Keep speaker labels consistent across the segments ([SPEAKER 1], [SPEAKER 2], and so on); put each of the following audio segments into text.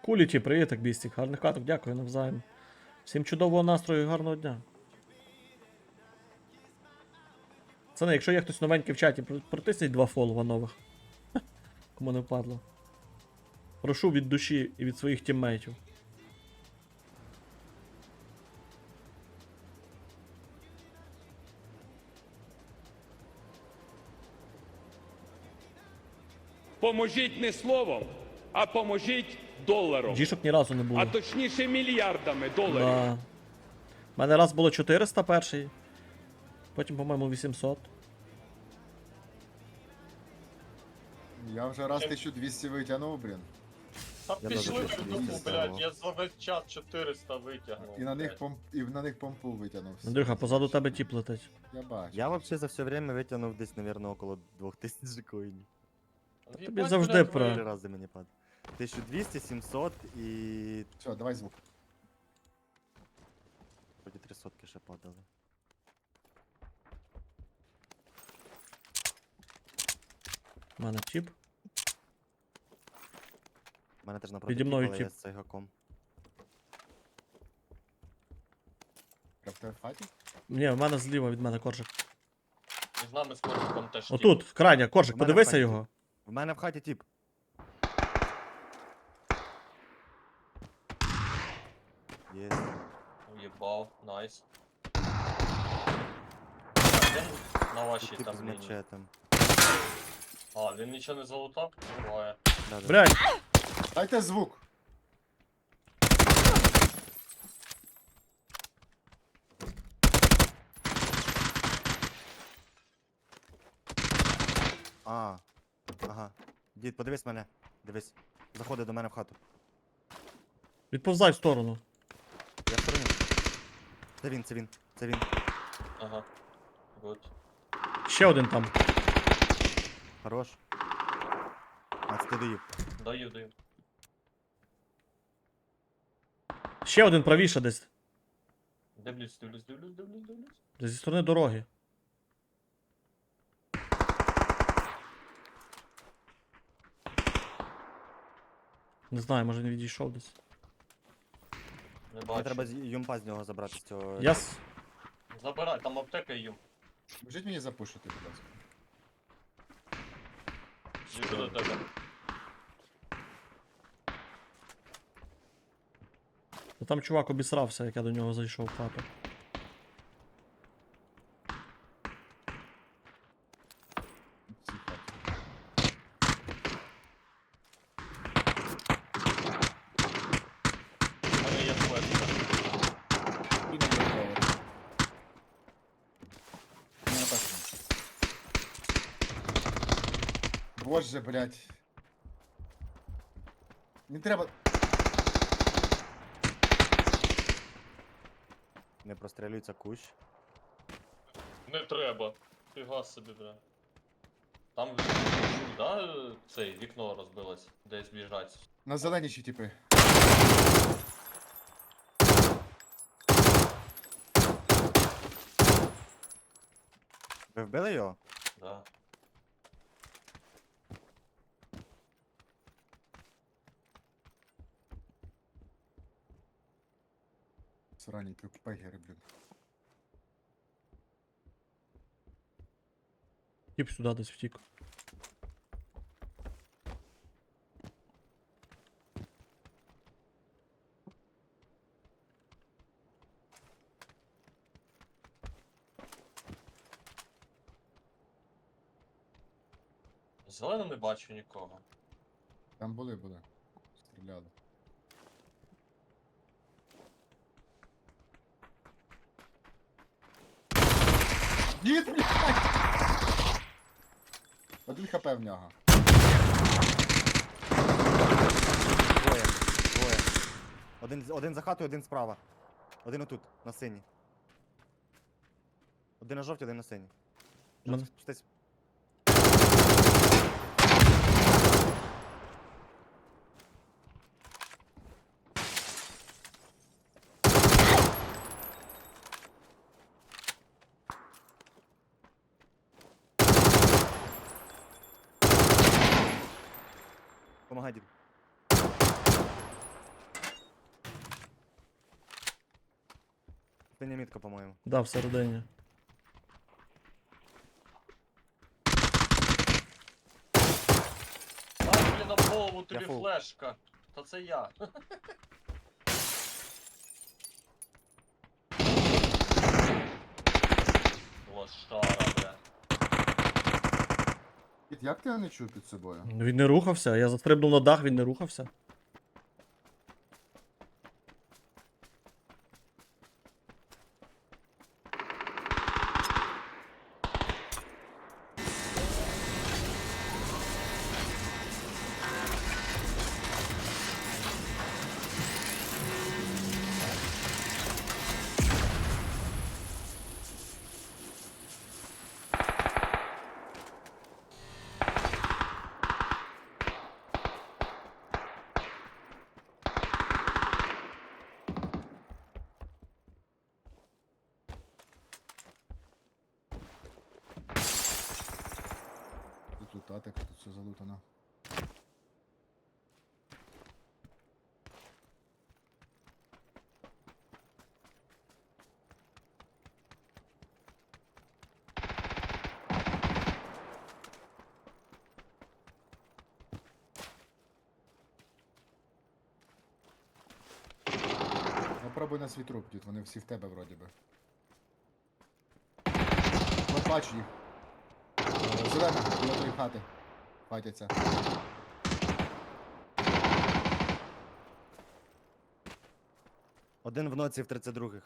[SPEAKER 1] Куліті, привіт, так бістік. Гарних каток, дякую навзаєм. Всім чудового настрою і гарного дня. Пацани, якщо є хтось новенький в чаті, протисніть 2 фолова нових. Кому не впадло. Прошу від душі і від своїх тіммейтів.
[SPEAKER 2] Поможіть не словом, а поможіть доларом.
[SPEAKER 1] Дішок ні разу не було.
[SPEAKER 2] А точніше мільярдами доларів.
[SPEAKER 1] Да. У мене раз було 400 перший. Потім, по-моєму, 800.
[SPEAKER 3] Я вже раз 1200 витягнув, блін.
[SPEAKER 4] Та
[SPEAKER 5] Я
[SPEAKER 4] пішли
[SPEAKER 5] даже
[SPEAKER 4] ви
[SPEAKER 5] не
[SPEAKER 4] дупу,
[SPEAKER 5] знаю.
[SPEAKER 4] блядь, я за весь час 400 витягнув.
[SPEAKER 3] І на них помпу витягнув.
[SPEAKER 1] Андрюха, позаду тебе тіп летить.
[SPEAKER 3] Я бачу.
[SPEAKER 5] Я вообще за все время витягнув десь, наверное, около 2000 коїнів.
[SPEAKER 1] Тобі завжди про-
[SPEAKER 5] 3 рази мені падає. 1200, 700 і...
[SPEAKER 3] Все, давай звук.
[SPEAKER 5] Вроді 300 ще падали.
[SPEAKER 1] У мене тіп.
[SPEAKER 5] У мене теж напроти
[SPEAKER 1] Піді мною
[SPEAKER 5] тіп, але я
[SPEAKER 1] тіп.
[SPEAKER 5] з цейгаком.
[SPEAKER 3] Я в тебе в хаті?
[SPEAKER 1] Ні, в мене зліва від мене коржик.
[SPEAKER 4] І з нами з Коржиком теж.
[SPEAKER 1] Отут, крайня, коржик,
[SPEAKER 5] У мене
[SPEAKER 1] подивися
[SPEAKER 5] в хаті.
[SPEAKER 1] його.
[SPEAKER 5] В мене в хаті тіп. Є.
[SPEAKER 4] Уєбав, найс. Він на вашій
[SPEAKER 5] Тіп
[SPEAKER 4] там
[SPEAKER 5] з
[SPEAKER 4] лінії.
[SPEAKER 5] мачетом.
[SPEAKER 4] А, він нічого не залутав? Буває.
[SPEAKER 5] Да-да.
[SPEAKER 1] Блядь,
[SPEAKER 3] Дайте звук!
[SPEAKER 5] А. Ага. Дід, подивись мене. Дивись. Заходи до мене в хату.
[SPEAKER 1] відповзай в сторону.
[SPEAKER 5] Я в стороні. Це він, це він, це він.
[SPEAKER 4] Ага. Гуд.
[SPEAKER 1] Ще один там.
[SPEAKER 5] Хорош. А, це ти доїв.
[SPEAKER 4] Даю, даю.
[SPEAKER 1] Ще один правіше десь.
[SPEAKER 4] Дивлюсь.
[SPEAKER 1] Десь зі сторони дороги. Не знаю, може він відійшов десь.
[SPEAKER 4] Не
[SPEAKER 5] Мені
[SPEAKER 4] бачу.
[SPEAKER 5] треба юмпа з нього забрати з цього.
[SPEAKER 1] Я
[SPEAKER 4] Забирай, там аптека і юм.
[SPEAKER 3] Можіть мені запушити, будь ласка.
[SPEAKER 4] Їду до тебе.
[SPEAKER 1] Та там чувак обісрався, як я до нього зайшов в хату.
[SPEAKER 3] В цій хаті.
[SPEAKER 4] У мене є флешка.
[SPEAKER 3] І не є поверх. Не на першому. Боже, блядь. Не треба.
[SPEAKER 5] Не прострілюється кущ.
[SPEAKER 4] Не треба. Фіга собі, бля. Там, да, цей, вікно розбилось, десь біжать.
[SPEAKER 3] На зелені ще типи.
[SPEAKER 5] Ви вбили його?
[SPEAKER 4] Да.
[SPEAKER 3] Срані пегери, блін.
[SPEAKER 1] Тіп сюди десь втік.
[SPEAKER 4] Зелено не бачу нікого.
[SPEAKER 3] Там були. Стріляли. Дід, блядь! Один хп в нього.
[SPEAKER 5] Двоє. Двоє. Один за хатою, один справа. Один отут, на синій. Один на жовтій, один на синій.
[SPEAKER 1] Мене-
[SPEAKER 5] Спустись. Помагай, дід. Синя мітка, по-моєму.
[SPEAKER 1] Да, всередині.
[SPEAKER 4] Ай, блін, об голову тобі
[SPEAKER 5] фул.
[SPEAKER 4] флешка. Та це я. Лошара, бля.
[SPEAKER 3] Кіт, як ти його не чув під собою?
[SPEAKER 1] Він не рухався, я застрибнув на дах, він не рухався.
[SPEAKER 3] Тут лутатик, тут все залутано. Ну пробуй на свій труп, дід, вони всі в тебе вроді би. От бачу їх. Зелена, біля тої хати. Хатяться.
[SPEAKER 5] Один в ноці в 32-х.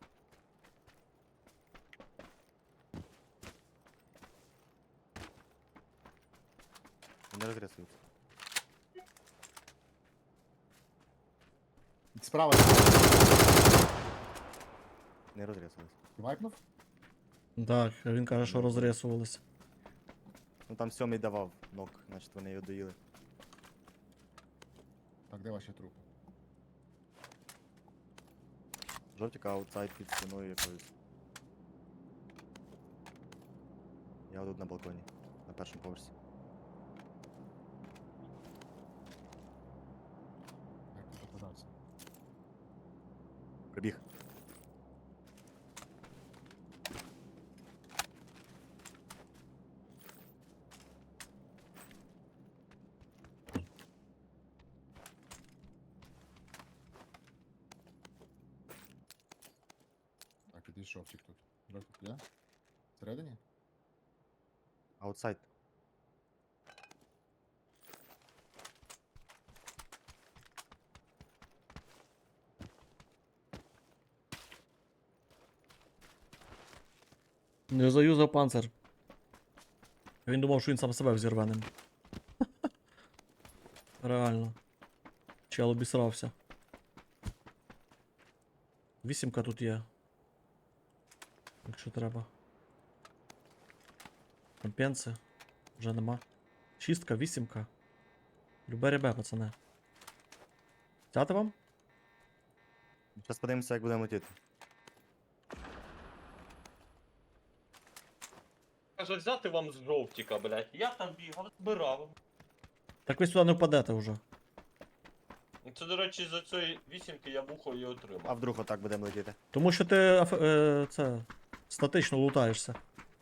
[SPEAKER 5] Не розрисується.
[SPEAKER 3] Справа.
[SPEAKER 5] Не розрисується.
[SPEAKER 3] Ти вайпнув?
[SPEAKER 1] Так, він каже, що розрисувалися.
[SPEAKER 5] Ну там 7-й давав нок, значить вони його доїли.
[SPEAKER 3] Так, де ваші трупи?
[SPEAKER 5] Жовтіка аутсайд під стіною якоюсь. Я тут на балконі, на першому поверсі.
[SPEAKER 3] Як ти попадався?
[SPEAKER 5] Прибіг.
[SPEAKER 3] Так, підійшов тік тут. Жовтик є? Всередині?
[SPEAKER 5] Аутсайд.
[SPEAKER 1] Не заюзав панцир. Він думав, що він сам себе взірве ним. Реально. Чел обісрався. 8-ка тут є. Якщо треба. Компенси. Вже нема. 6-ка, 8-ка. Любе ребе, пацани. Взяти вам?
[SPEAKER 5] Зараз подивимося, як будемо летіти.
[SPEAKER 4] Каже, взяти вам з жовтіка, блядь. Я там бігав, збирав.
[SPEAKER 1] Так ви сюди не впадете вже.
[SPEAKER 4] Це, до речі, за цієї вісімки я вухо і
[SPEAKER 5] А
[SPEAKER 4] отримав.
[SPEAKER 5] вдруг отак будемо летіти?
[SPEAKER 1] Тому що ти це статично лутаєшся.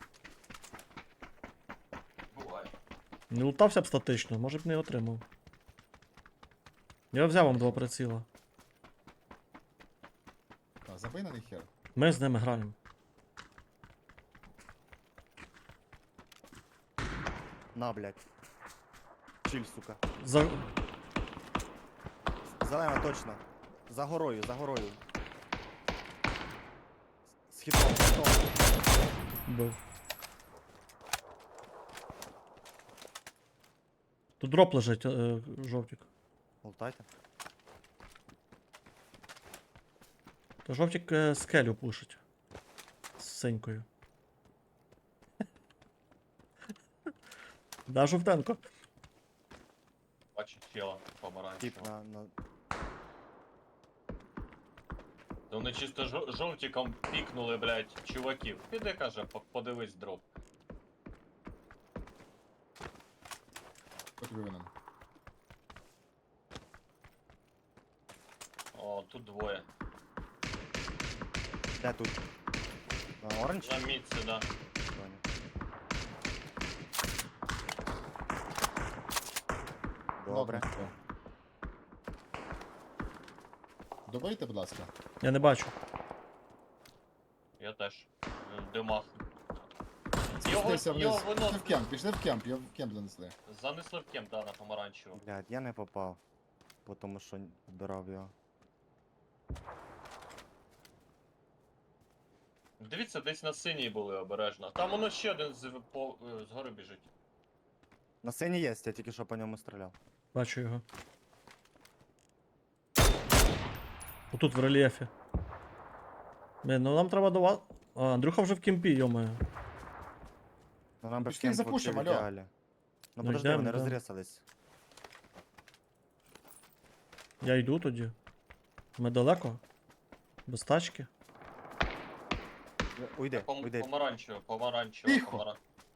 [SPEAKER 4] Буває.
[SPEAKER 1] Не лутався б статично, може б не отримав. Я взяв вам 2 приціла.
[SPEAKER 3] Так, забий на них хер.
[SPEAKER 1] Ми з ними граємо.
[SPEAKER 5] На, блядь. Чиль, сука.
[SPEAKER 1] За...
[SPEAKER 5] Зелена, точно. За горою, за горою. З хітом, з хітом.
[SPEAKER 1] Бив. Тут дроп лежить, жовтик.
[SPEAKER 5] Лутайте.
[SPEAKER 1] То жовтик скелю пушить. З синькою. Да, жовтенко.
[SPEAKER 4] Бачу тіла
[SPEAKER 5] Тип
[SPEAKER 4] помаранчевого.
[SPEAKER 5] на...
[SPEAKER 4] То вони чисто жовтіком пікнули, блядь, чуваків. Піди, каже, подивись дроп.
[SPEAKER 3] Хто тобі винен?
[SPEAKER 4] О, тут двоє.
[SPEAKER 5] Де тут? Оранж?
[SPEAKER 4] На мітці, да.
[SPEAKER 5] Добре.
[SPEAKER 3] Нокнув. Добийте, будь ласка.
[SPEAKER 1] Я не бачу.
[SPEAKER 4] Я теж. В димах.
[SPEAKER 3] Спустився вниз.
[SPEAKER 4] його
[SPEAKER 3] Пішли
[SPEAKER 4] виносили.
[SPEAKER 3] в кемп, пішли в кемп, його в кемп занесли.
[SPEAKER 4] Занесли в кемп, да, на помаранчеву.
[SPEAKER 5] Блядь, я не попав. Бо тому що вбирав його.
[SPEAKER 4] Дивіться, десь на синій були обережно. Там воно ще один згори біжить.
[SPEAKER 5] На сцені є, я тільки що по ньому стріляв.
[SPEAKER 1] Бачу його. Отут в рельєфі. Блін, ну нам треба до вас. А, Андрюха вже в кемпі, йомаю.
[SPEAKER 5] Ну нам би в
[SPEAKER 3] Пішли
[SPEAKER 5] кемп
[SPEAKER 3] запушимо,
[SPEAKER 5] вообще в
[SPEAKER 3] алло.
[SPEAKER 5] ідеалі. Ну
[SPEAKER 1] Ну,
[SPEAKER 5] подожди,
[SPEAKER 1] йдем,
[SPEAKER 5] вони
[SPEAKER 1] йдем.
[SPEAKER 5] розрісались.
[SPEAKER 1] Я йду тоді. Ми далеко? Без тачки?
[SPEAKER 5] Уйди, уйди.
[SPEAKER 4] Помаранчево,
[SPEAKER 3] Тихо.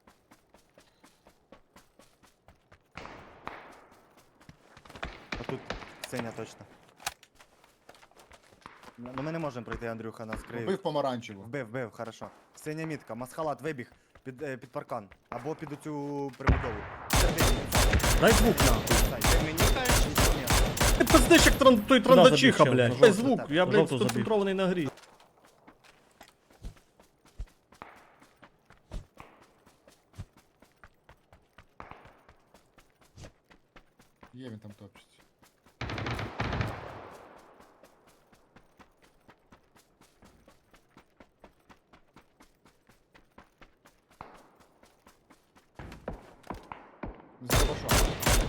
[SPEAKER 5] Отут синя точно. Ну ми не можемо пройти, Андрюха, нас криє.
[SPEAKER 3] Вбив помаранчеву.
[SPEAKER 5] Вбив, хорошо. Синя мітка, масхалат вибіг під паркан. Або під оцю прибудову. Всередині, інсайд.
[SPEAKER 1] Дай звук нахуй.
[SPEAKER 5] Інсайд. Ти мені кажеш, нічого ні.
[SPEAKER 1] Ти пиздиш як той трандачиха, забіг, блядь.
[SPEAKER 5] чел,
[SPEAKER 1] Дай
[SPEAKER 5] на
[SPEAKER 1] звук,
[SPEAKER 5] жовту,
[SPEAKER 1] я,
[SPEAKER 5] на
[SPEAKER 1] блядь,
[SPEAKER 5] жовту забіг.
[SPEAKER 1] сконцентрований на грі.
[SPEAKER 3] Є він там топчить. За башом.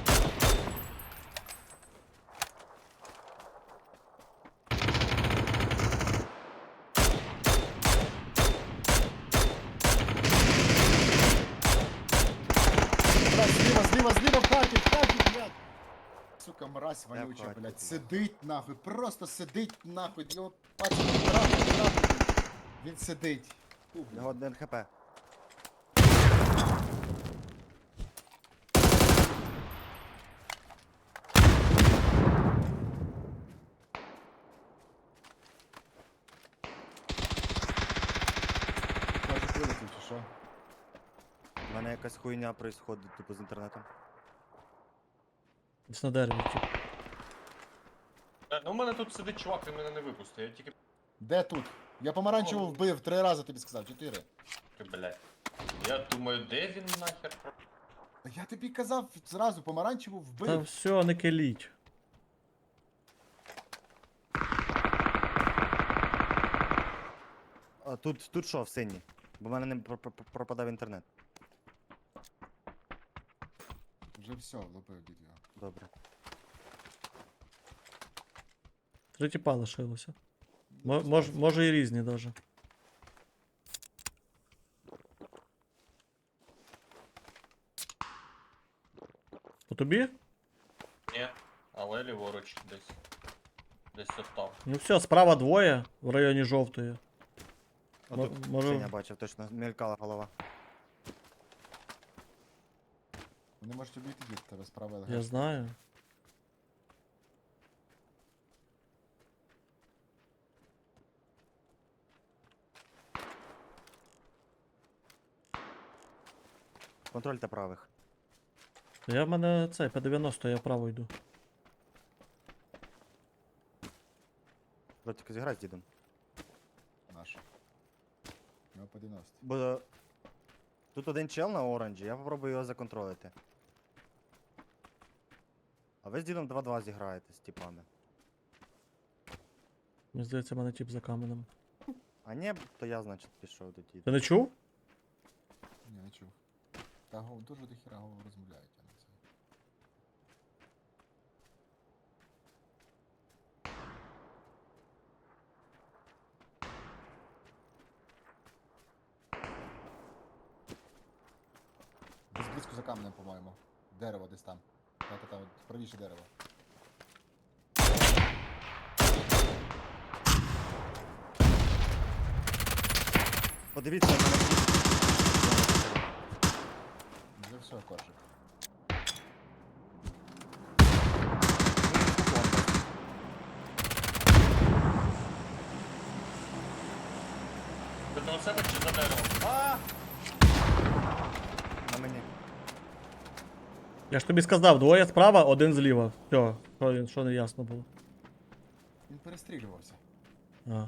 [SPEAKER 3] Брат, зліва, в хаті, блядь! Сука, мразь вонюча,
[SPEAKER 5] хаті,
[SPEAKER 3] блядь.
[SPEAKER 5] блядь.
[SPEAKER 3] Сидить нахуй, просто сидить нахуй. Його пацан трапить. Він сидить. Фу, блядь.
[SPEAKER 5] Його 1 хп.
[SPEAKER 3] Кажуть, вилетів, чи що?
[SPEAKER 5] У мене якась хуйня происходить, типу, з інтернетом.
[SPEAKER 1] Десь на дереві, тип.
[SPEAKER 4] Ну, у мене тут сидить чувак, він мене не випустив. Я тільки.
[SPEAKER 3] Де тут? Я помаранчеву вбив 3 рази, тобі сказав, 4.
[SPEAKER 4] Блядь. Я думаю, де він нахер?
[SPEAKER 3] Я тобі казав зразу, помаранчеву
[SPEAKER 1] Та
[SPEAKER 3] вбив.
[SPEAKER 1] все, не келіть.
[SPEAKER 5] А тут що в синій? Бо в мене не пропадав інтернет.
[SPEAKER 3] Вже все, влупив дід його.
[SPEAKER 5] Добре.
[SPEAKER 1] 3 тіпа лишилося. Може і різні даже. По тобі?
[SPEAKER 4] Ні, але ліворуч десь. Десь отам.
[SPEAKER 1] Ну все, справа двоє в районі жовтої.
[SPEAKER 5] А
[SPEAKER 1] Мо-
[SPEAKER 5] тут
[SPEAKER 1] може-
[SPEAKER 5] синя бачив, точно, мелькала голова.
[SPEAKER 3] Вони можуть обійти дід, тебе справа
[SPEAKER 1] Я
[SPEAKER 3] ЛГ.
[SPEAKER 1] знаю.
[SPEAKER 5] Контрольте правих.
[SPEAKER 1] Я в мене цей П-90, я вправо йду.
[SPEAKER 5] Ротик, зіграй з дідом.
[SPEAKER 3] Наш. Ну, по 90.
[SPEAKER 5] Бо тут один чел на оранжі, я попробую його законтролити. А ви з дідом 2-2 зіграєте з типами.
[SPEAKER 1] Мені здається, в мене тип за каменем.
[SPEAKER 5] А ні, то я, значить, пішов до діда.
[SPEAKER 1] Ти не чув?
[SPEAKER 3] Ні, не чув. Та дуже до хіра розмовляють, а не це. Десь близько за каменем, по-моєму. Дерево десь там. Та-та-та, от правіше дерево.
[SPEAKER 5] Подивіться на мене.
[SPEAKER 3] Вже все, коржик.
[SPEAKER 4] до себе чи за деревом?
[SPEAKER 5] А! На мені.
[SPEAKER 1] Я ж тобі сказав, двоє справа, один зліва. Все, що не ясно було.
[SPEAKER 3] Він перестрілювався.
[SPEAKER 1] А.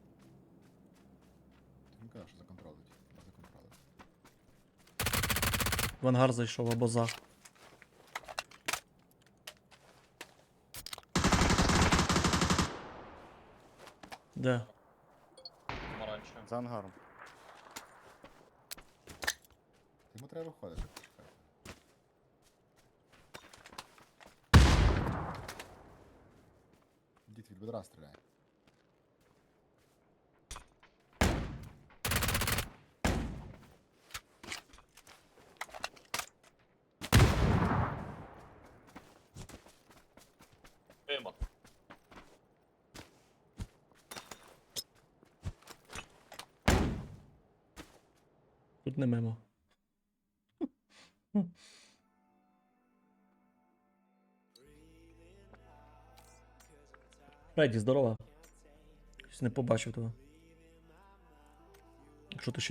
[SPEAKER 3] Він казав, що законтролить. Законтролить.
[SPEAKER 1] В ангар зайшов або за. Де?
[SPEAKER 4] Помаранчеве.
[SPEAKER 5] За ангаром.
[SPEAKER 3] Йому треба виходити. Почекай. Дід від бедра стріляє.
[SPEAKER 4] Мимо.
[SPEAKER 1] Тут не мимо. Фредді, здорова. Щось не побачив тебе. Якщо ти ще